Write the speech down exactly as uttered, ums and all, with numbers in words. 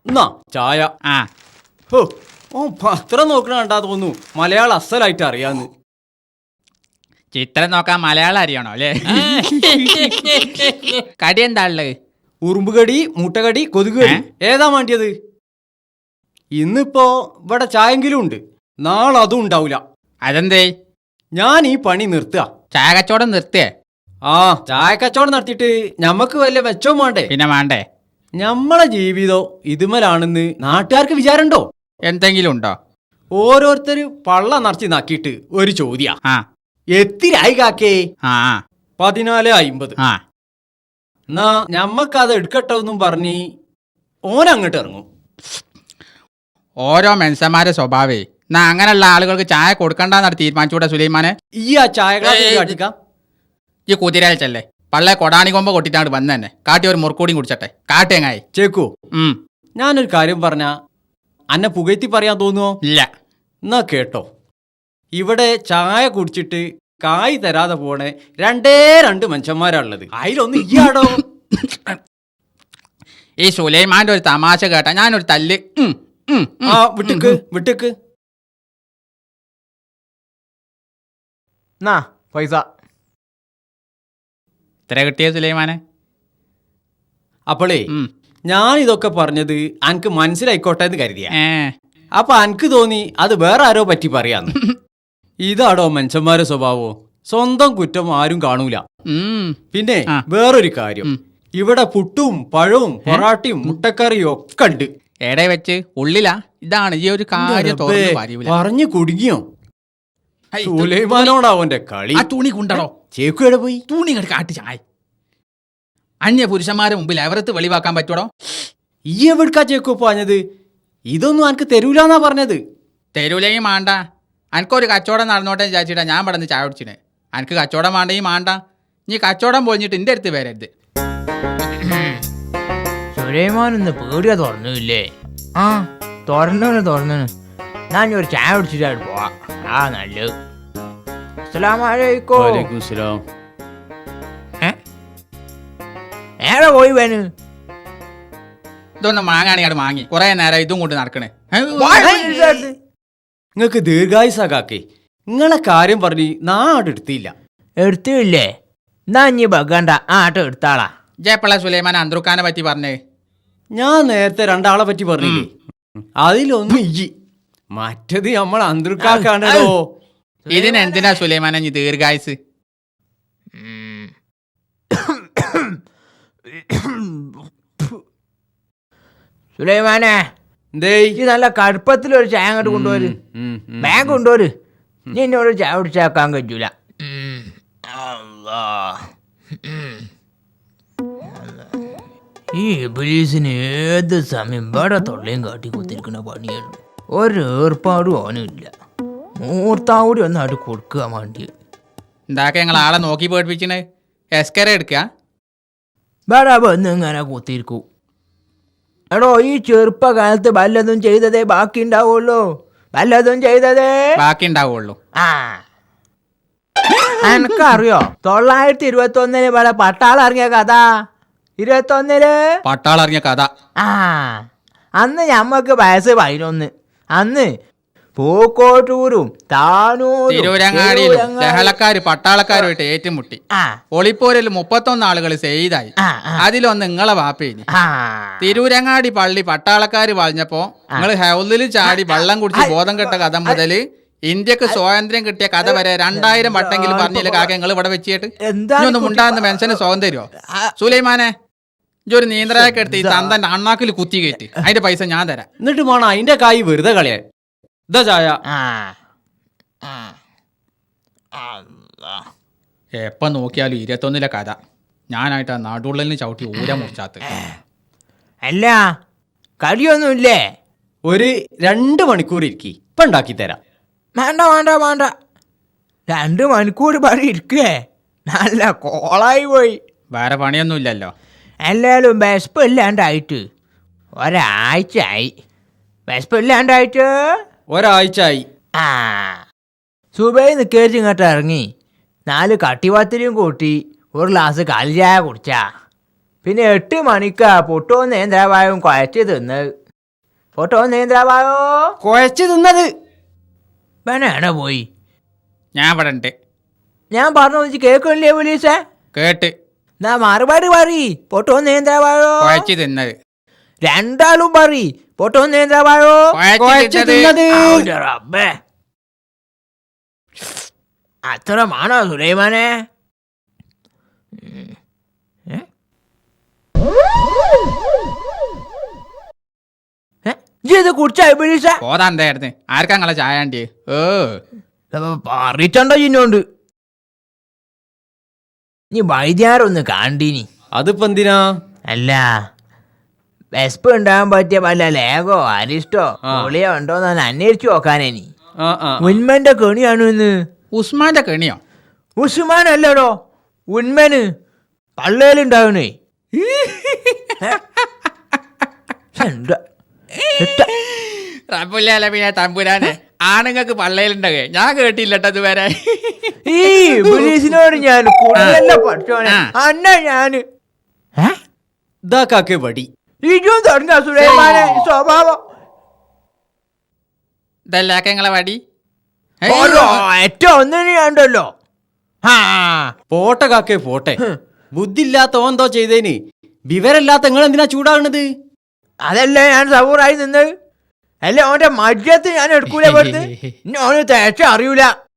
എന്നാ ചായ. ആ ഓ ഓ പത്രം നോക്കണ കണ്ടാ തോന്നുന്നു മലയാളം അസലായിട്ട് അറിയാന്ന്. ചിത്രം നോക്കാൻ മലയാളം അറിയണോ അല്ലേ? കടി എന്താ ഉള്ളത്? ഉറുമ്പുകടി, മുട്ടകടി, കൊതുകുകടി, ഏതാ വേണ്ടിയത്? ഇന്നിപ്പോ ഇവിടെ ചായെങ്കിലും ഉണ്ട്, നാളെ അതും ഉണ്ടാവൂല. അതെന്തേ? ഞാൻ ഈ പണി നിർത്തുക. ചായ കച്ചവടം നിർത്തിയേ? ആ ചായ കച്ചവടം നടത്തിയിട്ട് ഞമ്മക്ക് വല്ല മെച്ചവും വേണ്ടേ? പിന്നെ വേണ്ടേ? ഞമ്മളെ ജീവിതം ഇതുമലാണെന്ന് നാട്ടുകാർക്ക് വിചാരണ്ടോ? എന്തെങ്കിലും ഉണ്ടോ? ഓരോരുത്തര് പള്ള നിറച്ച് നക്കിയിട്ട് ഒരു ചോദ്യ, ആ എത്തിരായി കാക്കേ? ആ പതിനാല് അയിമ്പത്. ആ എന്നാ ഞമ്മക്കത് എടുക്കട്ടെ എന്നും പറഞ്ഞ് ഓനങ്ങോട്ട് ഇറങ്ങും. ഓരോ മനുഷ്യന്മാരെ സ്വഭാവേ. എന്നാ അങ്ങനെയുള്ള ആളുകൾക്ക് ചായ കൊടുക്കണ്ടെന്നാണ് തീരുമാനിച്ചൂടെ സുലൈമാനെ? ഈ ആ ചായ ഗ്ലാസ് കാട്ടിക്കാം. ഈ കുതിരയച്ചല്ലേ പള്ളേ കൊടാണി കൊമ്പ കൊട്ടിട്ടാണ് വന്ന് തന്നെ. കാട്ടി ഒരു മുറുക്കൂടിയും കുടിച്ചട്ടെ. കാട്ടേങ്ങായി ചേക്കോ, ഉം ഞാനൊരു കാര്യം പറഞ്ഞ അന്നെ പുകഴ്ത്തി പറയാൻ തോന്നുവോ? ഇല്ല. എന്നാ കേട്ടോ, ഇവിടെ ചായ കുടിച്ചിട്ട് കായ് തരാതെ പോണേ രണ്ടേ രണ്ട് മനുഷ്യന്മാരാണുള്ളത്. അതിലൊന്ന് ഇയാടോ. ഈ സുലൈമാന്റെ ഒരു തമാശ കേട്ടാ ഞാനൊരു തല്ല്. ആ വിട്ടിക്ക് വിട്ടിക്ക്. പൈസ ഇത്ര കിട്ടിയ സുലൈമാനെ? അപ്പോളേ ഞാൻ ഇതൊക്കെ പറഞ്ഞത് അനക്ക് മനസ്സിലായിക്കോട്ടെ എന്ന് കരുതിയ. ഏ അപ്പൊ അനക്ക് തോന്നി അത് വേറെ ആരോ പറ്റി പറയാന്ന്. ഇതാടോ മനുഷ്യന്മാരെ സ്വഭാവോ? സ്വന്തം കുറ്റം ആരും കാണൂല. പിന്നെ വേറൊരു കാര്യം, ഇവിടെ പുട്ടും പഴവും പൊറാട്ടയും മുട്ടക്കറിയും ഒക്കെ ഉണ്ട്. എടെ വെച്ച് ഉള്ളിലാ? ഇതാണ് ഈ ഒരു കാര്യം പറഞ്ഞു കുടുങ്ങിയോ? സുലൈമാനോടാവന്റെ കളി. ആ തുണി കൊണ്ടടോ. ചേക്കു എവിടെ പോയി? തുണി കാട്ടി ചായ. അന്യ പുരുഷന്മാരെ മുമ്പിൽ എവരത്ത് വെളിവാക്കാൻ പറ്റൂടോ? ഈ എവിടുക്കാ ചേക്കു പറഞ്ഞത്? ഇതൊന്നും അനക്ക് തരൂലെന്നാ പറഞ്ഞത്. തരൂലെങ്കിൽ മാണ്ട. അനക്കൊരു കച്ചവടം നടന്നോട്ടെ വിചാരിച്ചിട്ടാ ഞാൻ ഇവിടെ നിന്ന് ചായ കുടിച്ചിന്. അനക്ക് കച്ചവടം വേണ്ടെങ്കിൽ മാണ്ട. നീ കച്ചവടം പൊളിഞ്ഞിട്ട് എൻ്റെ അടുത്ത് വരരുത്. സുലൈമാനൊന്ന് പേടിയാ തുറന്നില്ലേ? ആ തുറന്നു തുറന്നു. ഞാൻ ഒരു ചായ കുടിച്ചിട്ടായിട്ട് പോവാ. ആ നല്ലത്. ഏറെ പോയി വേന്. ഇതൊന്നും വാങ്ങാണെങ്കിൽ അത് വാങ്ങി കുറെ നേരം ഇതും കൊണ്ട് നടക്കണേ. നിങ്ങക്ക് ദീർഘായുസാകാക്കേ. നിങ്ങളെ കാര്യം പറഞ്ഞ് നാട് എടുത്തില്ല. എടുത്തില്ലേ? എന്നാ ഇനി ബഗണ്ട ആ ആട്ടം എടുത്താളാ. ജയപ്പള്ള സുലൈമാൻ അന്തറുക്കാനെ പറ്റി പറഞ്ഞേ. ഞാൻ നേരത്തെ രണ്ടാളെ പറ്റി പറഞ്ഞില്ലേ? അതിലൊന്നും ഇയ്യ്, മറ്റത് നമ്മൾ അന്തർക്കാക്കാണോ. ഇതിനെന്തിനാ സുലൈമാനെ നീ ദീർഘായുസ്? സുലൈമാനെ ഈ നല്ല കടുപ്പത്തിലൊരു ചായ അങ്ങോട്ട് കൊണ്ടുവര്. ബാഗ് കൊണ്ടുവര്. നീ എന്നോട് ചായ കുടിച്ചാക്കാൻ കഴിയൂല. ഈ ഇബ്ലീസിന് ഏത് സമയം ഇവിടെ തൊള്ളയും കാട്ടി കുത്തിരിക്കുന്ന പണിയാണ്. ഒരു ഏർപ്പാടും ഓനില്ല. മൂർത്താവൂടി ഒന്നായിട്ട് കൊടുക്കുക വേണ്ടി. എന്താക്കെ ഞങ്ങൾ ആളെ നോക്കി പേടിപ്പിച്ചേ? എസ്കര എടുക്ക ഇവിടെ വന്ന് ഇങ്ങനെ കുത്തിരിക്കൂ. എടോ ഈ ചെറുപ്പകാലത്ത് വല്ലതും ചെയ്തതേ ബാക്കി ഉണ്ടാവുള്ളൂ. വല്ലതും ചെയ്തതേ ബാക്കി ഉണ്ടാവുള്ളൂ. ആ എനക്കറിയോ തൊള്ളായിരത്തി ഇരുപത്തി ഒന്നിന് ഇവിടെ പട്ടാളം ഇറങ്ങിയ കഥ? ഇരുപത്തി ഒന്നില് പട്ടാളം ഇറങ്ങിയ കഥ? ആ അന്ന് ഞമ്മക്ക് വയസ്സ് പതിനൊന്ന്. അന്ന് പൂക്കോട്ടൂരും താനൂരും തിരൂരങ്ങാടിയിലും ലഹളക്കാര് പട്ടാളക്കാരുമായിട്ട് ഏറ്റുമുട്ടി. ഒളിപ്പോരിൽ മുപ്പത്തൊന്ന് ആളുകൾ സെയ്തായി. അതിലൊന്ന് നിങ്ങളെ വാപ്പേനി. തിരൂരങ്ങാടി പള്ളി പട്ടാളക്കാര് വളഞ്ഞപ്പോ നിങ്ങൾ ഹൗലിൽ ചാടി വെള്ളം കുടിച്ച് ബോധം കെട്ട കഥ മുതല് ഇന്ത്യക്ക് സ്വാതന്ത്ര്യം കിട്ടിയ കഥ വരെ രണ്ടായിരം വട്ടെങ്കിലും പറഞ്ഞില്ല കാക്ക നിങ്ങൾ ഇവിടെ വെച്ചിട്ട്. ഇതൊന്നും ഉണ്ടാകുന്ന മനുഷ്യന് സ്വാതന്ത്ര്യമോ? സുലൈമാനെ ഇജൊരു നീന്തലൊക്കെ എടുത്ത് ഈ തന്തന്റെ അണ്ണാക്കിൽ കുത്തി കയറ്റി അതിന്റെ പൈസ ഞാൻ തരാം. എന്നിട്ട് വേണം അതിന്റെ കായ് വെറുതെ കളയാൻ. ഇതാ ചായ. എപ്പം നോക്കിയാലും ഇരുപത്തൊന്നിലെ കഥ. ഞാനായിട്ട് ആ നടുള്ളിന് ചവിട്ടി ഊര മുറിച്ചാത്ത്. അല്ല കടിയൊന്നുമില്ലേ? ഒരു രണ്ട് മണിക്കൂർ ഇരിക്കി, ഇപ്പൊ ഉണ്ടാക്കി തരാം. വേണ്ട വേണ്ട വേണ്ട. രണ്ട് മണിക്കൂർ പറ ഇരിക്കേ? നല്ല കോളായി പോയി. വേറെ പണിയൊന്നുമില്ലല്ലോ. എല്ലാവരും വിശപ്പ് ഇല്ലാണ്ടായിട്ട് ഒരാഴ്ച ആയി. വിശപ്പ് ഇല്ലാണ്ടായിട്ട് ഒരാഴ്ച ആയി. ആ സുബൈ നിൽക്കേച്ച് ഇങ്ങോട്ട് ഇറങ്ങി നാല് കട്ടിപത്തിരിയും കൂട്ടി ഒരു ഗ്ലാസ് കാലി ചായ കുടിച്ചാ. പിന്നെ എട്ട് മണിക്കാ പൊട്ടവും നേന്ത്രവായും കുഴച്ച് തിന്ന്. ഫോട്ടോ നേന്ത്രാവായോ കുഴച്ച് തിന്നത്. വേണ പോയി. ഞാൻ ഇവിടെ ഉണ്ട്. ഞാൻ പറഞ്ഞു കേൾക്കണില്ലേ പോലീസേ? കേട്ട്. നാ മറുപടി പറ. ഫോട്ടോ നേന്ത്രാവായോ കുഴച്ച് തിന്നത്. രണ്ടാളും പറ. ഫോട്ടോ നേന്ത്രാവായോ കുഴച്ച് തിന്നത്. റബ്ബേ, അത്രമാണോ സുലൈമാനെ? ഇത് കുടിച്ചായി പോലീസ? പോതാ എന്തായിരുന്നു? ആർക്കാ നിങ്ങളെ ചായ വേണ്ടി? ഓ പറിച്ചണ്ടോ ചിന്നോണ്ട്. നീ വൈദ്യാരൊന്ന് കാണ്ടീനി. അതിപ്പോ എന്തിനാ? അല്ല, വെസ്പ് ഉണ്ടാകാൻ പറ്റിയ വല്ല ലേഗോ അരിസ്റ്റോ പൊളിയോ ഉണ്ടോന്ന് അന്വേഷിച്ചു നോക്കാനേനി. ആ ആ ഉന്മന്റെ കെണിയാണു ഇന്ന്. ഉസ്മാന്റെ കെണിയോ? ഉസ്മാൻ അല്ലടോ, ഉന്മന് പള്ളേലുണ്ടാവണേ. റബ്ബുല്ലാലമീനെ തമ്പുരാനെ, ആണുങ്ങൾക്ക് പള്ളയിലുണ്ടകേ ഞാൻ കേട്ടില്ലട്ടോ ഇതുവരെ. ഈ പോലീസിനോട് ഞാൻ കൂടുതലല്ല പഠിച്ചോനെ. അന്ന ഞാന് ഇതാ കാക്കേ വടി. ഇജും തുടങ്ങ സുലൈമാനെ സ്വഭാവം. ഇതല്ലാക്ക നിങ്ങളെ വടി? ഏറ്റവും ഒന്നിന് ഉണ്ടല്ലോ. പോട്ടെ കാക്കേ പോട്ടെ. ബുദ്ധി ഇല്ലാത്ത ഓന്തോ ചെയ്തേന് വിവരമില്ലാത്ത നിങ്ങൾ എന്തിനാ ചൂടാകണത്? അതല്ലേ ഞാൻ സബൂറായി നിന്നത്. അല്ല, ഓന്റെ മജ്ജത്ത് ഞാൻ എടുക്കൂല. വെറുതെ ഓന് തേച്ച അറിയൂല.